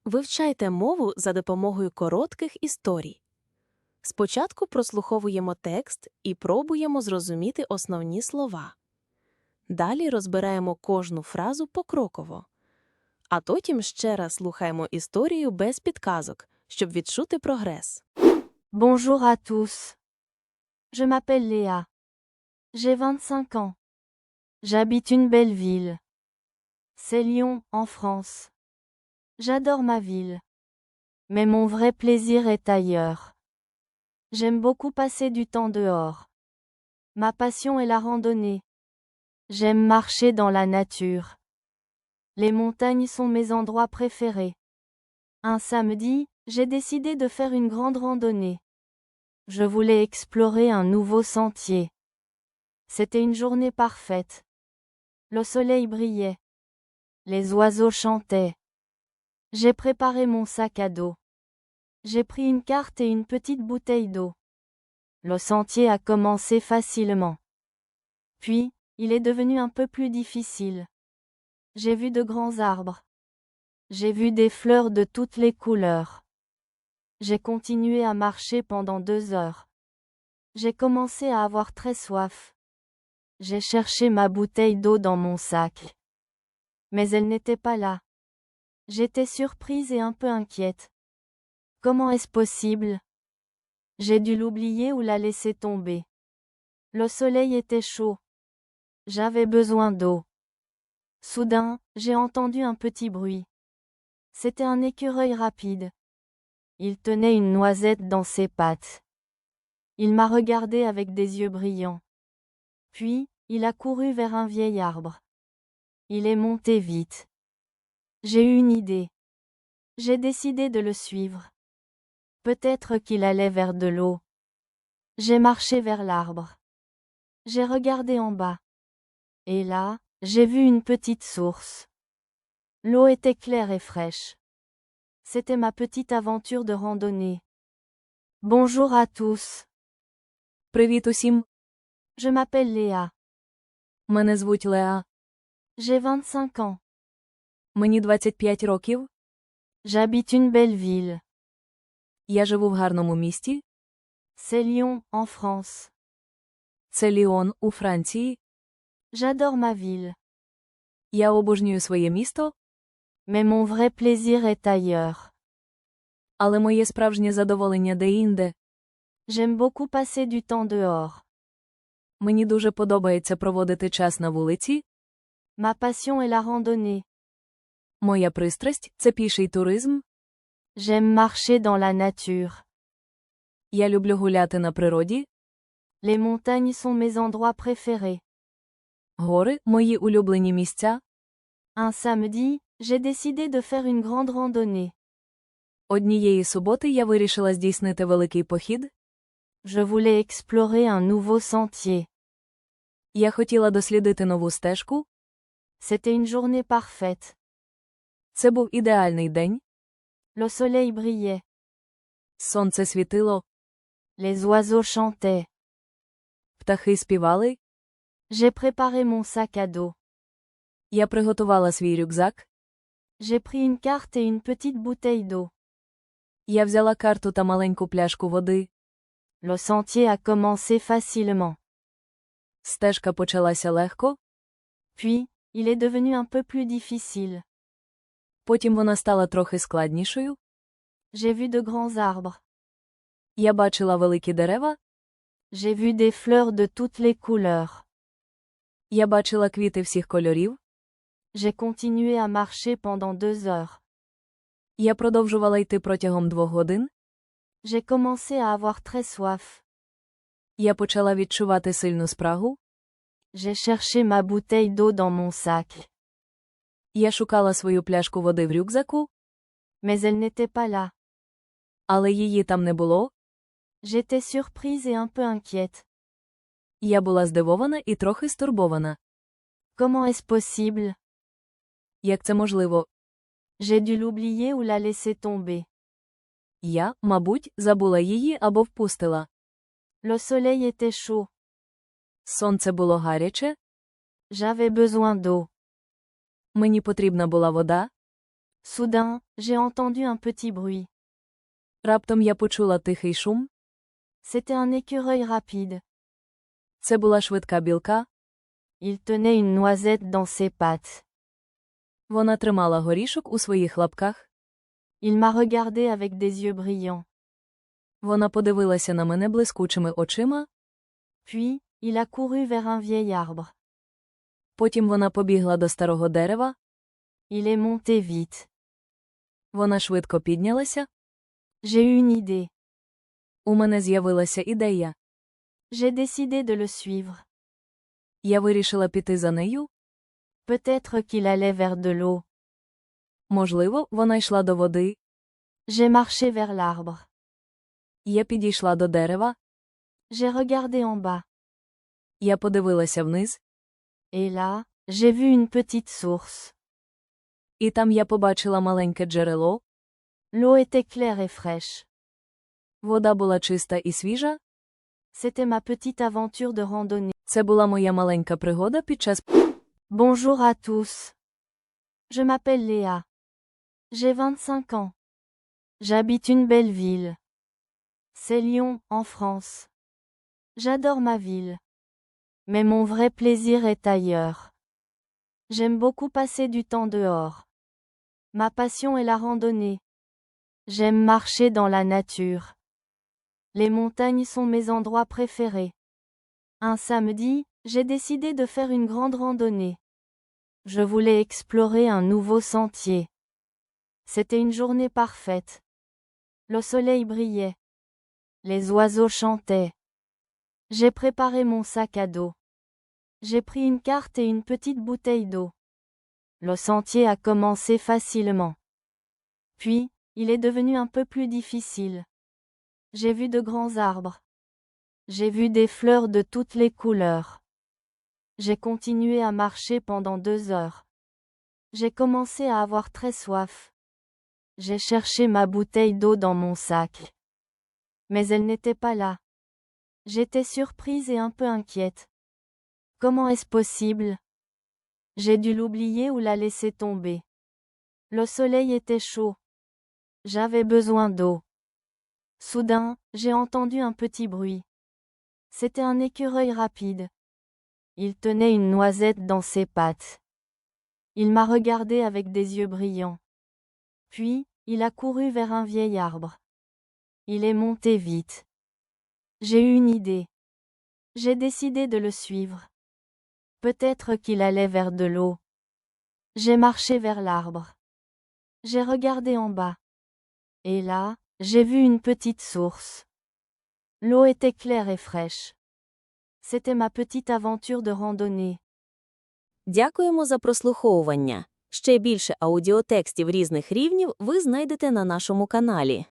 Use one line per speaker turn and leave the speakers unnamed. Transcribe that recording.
Вивчайте мову за допомогою коротких історій. Спочатку прослуховуємо текст і пробуємо зрозуміти основні слова. Далі розбираємо кожну фразу покроково. А потім ще раз слухаємо історію без підказок, щоб відчути прогрес.
Bonjour à tous. Je m'appelle Léa. J'ai 25 ans. J'habite une belle ville. C'est Lyon, en France. J'adore ma ville. Mais mon vrai plaisir est ailleurs. J'aime beaucoup passer du temps dehors. Ma passion est la randonnée. J'aime marcher dans la nature. Les montagnes sont mes endroits préférés. Un samedi, j'ai décidé de faire une grande randonnée. Je voulais explorer un nouveau sentier. C'était une journée parfaite. Le soleil brillait. Les oiseaux chantaient. J'ai préparé mon sac à dos. J'ai pris une carte et une petite bouteille d'eau. Le sentier a commencé facilement. Puis, il est devenu un peu plus difficile. J'ai vu de grands arbres. J'ai vu des fleurs de toutes les couleurs. J'ai continué à marcher pendant 2 heures. J'ai commencé à avoir très soif. J'ai cherché ma bouteille d'eau dans mon sac. Mais elle n'était pas là. J'étais surprise et un peu inquiète. Comment est-ce possible? J'ai dû l'oublier ou la laisser tomber. Le soleil était chaud. J'avais besoin d'eau. Soudain, j'ai entendu un petit bruit. C'était un écureuil rapide. Il tenait une noisette dans ses pattes. Il m'a regardé avec des yeux brillants. Puis, il a couru vers un vieil arbre. Il est monté vite. J'ai eu une idée. J'ai décidé de le suivre. Peut-être qu'il allait vers de l'eau. J'ai marché vers l'arbre. J'ai regardé en bas. Et là, j'ai vu une petite source. L'eau était claire et fraîche. C'était ma petite aventure de randonnée. Bonjour à tous.
Привіт усім!
Je m'appelle Léa.
Мене звуть Леа.
J'ai 25 ans.
Мені 25 років.
J'habite une belle ville.
Я живу в гарному місті.
C'est Lyon, en France.
Це Ліон, у Франції.
J'adore ma ville.
Я обожнюю своє місто,
Mais mon vrai plaisir est ailleurs.
але моє справжнє задоволення де-інде.
J'aime beaucoup passer du temps dehors.
Мені дуже подобається проводити час на вулиці.
Ma passion est la randonnée.
Моя пристрасть – це піший туризм.
J'aime marcher dans la nature.
Я люблю гуляти на природі.
Les montagnes sont mes endroits préférés.
Гори – мої улюблені місця.
Un samedi, j'ai décidé de faire une grande randonnée.
Однієї суботи я вирішила здійснити великий похід.
Je voulais explorer un nouveau sentier.
Я хотіла дослідити нову стежку.
C'était une journée parfaite.
Це був ідеальний день.
Le soleil brillait.
Сонце світило.
Les oiseaux chantaient.
Птахи співали.
J'ai préparé mon sac à dos.
Я приготувала свій рюкзак.
J'ai pris une carte et une petite bouteille d'eau.
Я взяла карту та маленьку пляшку води.
Le sentier a commencé facilement.
Стежка почалася легко.
Puis, il est devenu un peu plus difficile.
Потім вона стала трохи складнішою.
J'ai vu de grands arbres.
Я бачила великі дерева.
J'ai vu des fleurs de toutes les couleurs.
Я бачила квіти всіх кольорів.
J'ai continué à marcher pendant 2 heures.
Я продовжувала йти протягом 2 годин.
J'ai commencé à avoir très soif.
Я почала відчувати сильну спрагу.
J'ai cherché ma bouteille d'eau dans mon sac.
Я шукала свою пляшку води в рюкзаку,
Mais elle n'était pas là.
але її там не було.
J'étais surprise et un peu inquiète.
Я була здивована і трохи стурбована.
Comment est-ce possible?
Як це можливо?
J'ai dû l'oublier ou la laisser tomber.
Я, мабуть, забула її або впустила.
Le soleil était chaud.
Сонце було гаряче.
J'avais besoin d'eau.
Мені потрібна була вода.
Soudain, j'ai entendu un petit bruit.
Раптом я почула тихий шум.
C'était un écureuil rapide.
Це була швидка білка.
Il tenait une noisette dans ses pattes.
Вона тримала горішок у своїх лапках.
Il m'a regardé avec des yeux brillants.
Вона подивилася на мене блискучими очима.
Puis, il a couru vers un vieil arbre.
Потім вона побігла до старого дерева.
Il est monté vite.
Вона швидко піднялася.
J'ai eu une idée.
У мене з'явилася ідея.
J'ai décidé de le suivre.
Я вирішила піти за нею.
Peut-être qu'il allait vers de l'eau.
Можливо, вона йшла до води.
J'ai marché vers l'arbre.
Я підійшла до дерева.
J'ai regardé en bas.
Я подивилася вниз.
Et là, j'ai vu une petite source.
І там я побачила маленьке джерело.
L'eau était claire et fraîche.
Вода була чиста і свіжа.
C'était ma petite aventure de randonnée.
Це була моя маленька пригода під час...
Bonjour à tous. Je m'appelle Léa. J'ai 25 ans. J'habite une belle ville. C'est Lyon, en France. J'adore ma ville. Mais mon vrai plaisir est ailleurs. J'aime beaucoup passer du temps dehors. Ma passion est la randonnée. J'aime marcher dans la nature. Les montagnes sont mes endroits préférés. Un samedi, j'ai décidé de faire une grande randonnée. Je voulais explorer un nouveau sentier. C'était une journée parfaite. Le soleil brillait. Les oiseaux chantaient. J'ai préparé mon sac à dos. J'ai pris une carte et une petite bouteille d'eau. Le sentier a commencé facilement. Puis, il est devenu un peu plus difficile. J'ai vu de grands arbres. J'ai vu des fleurs de toutes les couleurs. J'ai continué à marcher pendant 2 heures. J'ai commencé à avoir très soif. J'ai cherché ma bouteille d'eau dans mon sac. Mais elle n'était pas là. J'étais surprise et un peu inquiète. Comment est-ce possible? J'ai dû l'oublier ou la laisser tomber. Le soleil était chaud. J'avais besoin d'eau. Soudain, j'ai entendu un petit bruit. C'était un écureuil rapide. Il tenait une noisette dans ses pattes. Il m'a regardé avec des yeux brillants. Puis, il a couru vers un vieil arbre. Il est monté vite. J'ai eu une idée. J'ai décidé de le suivre. Peut-être qu'il allait vers de l'eau. J'ai marché vers l'arbre. J'ai regardé en bas. Et là, j'ai vu une petite source. L'eau était claire et fraîche. C'était ma petite aventure de randonnée.
Дякуємо за прослуховування. Ще більше аудіотекстів різних рівнів ви знайдете на нашому каналі.